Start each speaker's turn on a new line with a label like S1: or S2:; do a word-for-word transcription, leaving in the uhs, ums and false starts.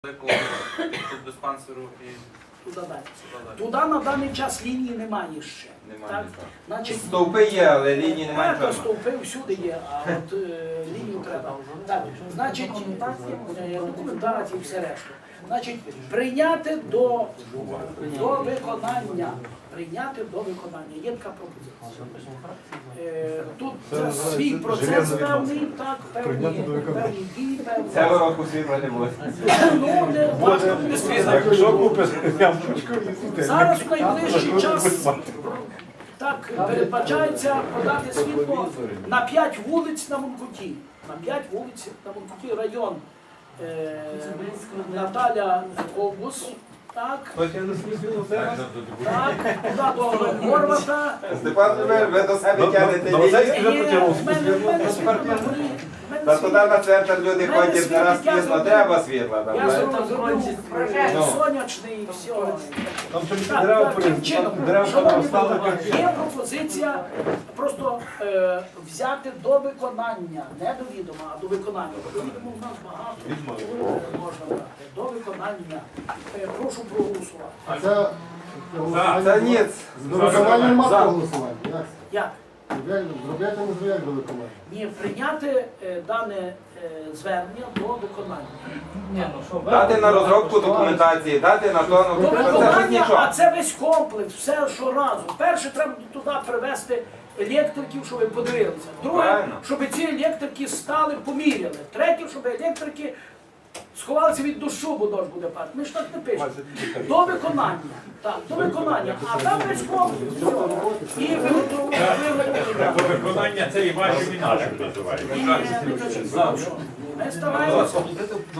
S1: великого тут диспансеру і
S2: Туди далі.
S1: туди далі.
S2: Туди на даний час лінії немає ще.
S1: Немає,
S2: Так?
S1: так.
S2: Значить,
S3: Стовпи є, але лінії немає.
S2: Е, стовпи всюди є, а от е, лінію треба. Так, значить, е, документації і все решту. Значить, прийняти до, до виконання. Прийняти до виконання. Є така пропозиція. Е, тут це свій процес певний, так, певні, певні дії, певні.
S3: Цього року світла не буде.
S2: Ну, не важко, не світла.
S4: Якщо купиш ямпочку,
S2: Зараз в найближчий час так передбачається подати світло на п'ять вулиць на Монкуті. На п'ять вулиць на Монкуті район е, Наталя Ковбус. Так,
S3: Хочете на світло зараз?
S2: так, туди до Горвата.
S3: Степан Любер, ви до себе тягнете лінії.
S2: В мене- в мене світло на горі, в мене
S3: Та
S2: світло.
S3: туди на центр люди
S2: Мене
S3: ходять,
S2: світло,
S3: зараз
S2: я
S3: пізно,
S2: зроблю.
S3: треба світла. там,
S2: Я
S3: знаєте.
S2: зроблю прожект
S3: Ну.
S2: сонячний і все.
S4: Там ще
S2: Так,
S4: дерева
S2: таким
S4: порізали,
S2: чином,
S4: там дерева
S2: шановні
S4: стали
S2: колеги,
S4: як
S2: є пропозиція просто е, взяти до виконання, не до відома, а до виконання. До відома в нас багато е, можна брати. До виконання. Е, прошу проголосувати.
S5: Це
S3: Та ні,
S5: до виконання нема голосування. Як це?
S2: Як?
S5: Як зробляти не зробляти до виконання?
S2: Ні, прийняти е, дане е, звернення до виконання.
S3: дати на розробку документації, дати на то,
S2: До
S3: ну це ж
S2: виконання, а
S3: нічого.
S2: це весь комплекс, все щоразу. Перше, треба туди привезти електриків, щоб ви подивилися. Друге,
S3: Правильно.
S2: щоб ці електрики стали, поміряли. Третє, щоб електрики сховалися від дощу, бо дощ буде падати. Ми ж так не пишемо. До виконання. Так, до виконання. А там весь комплекс. все. І виготовлення.
S4: Виконання це і ваші і наші називають.
S2: Ми стараємося.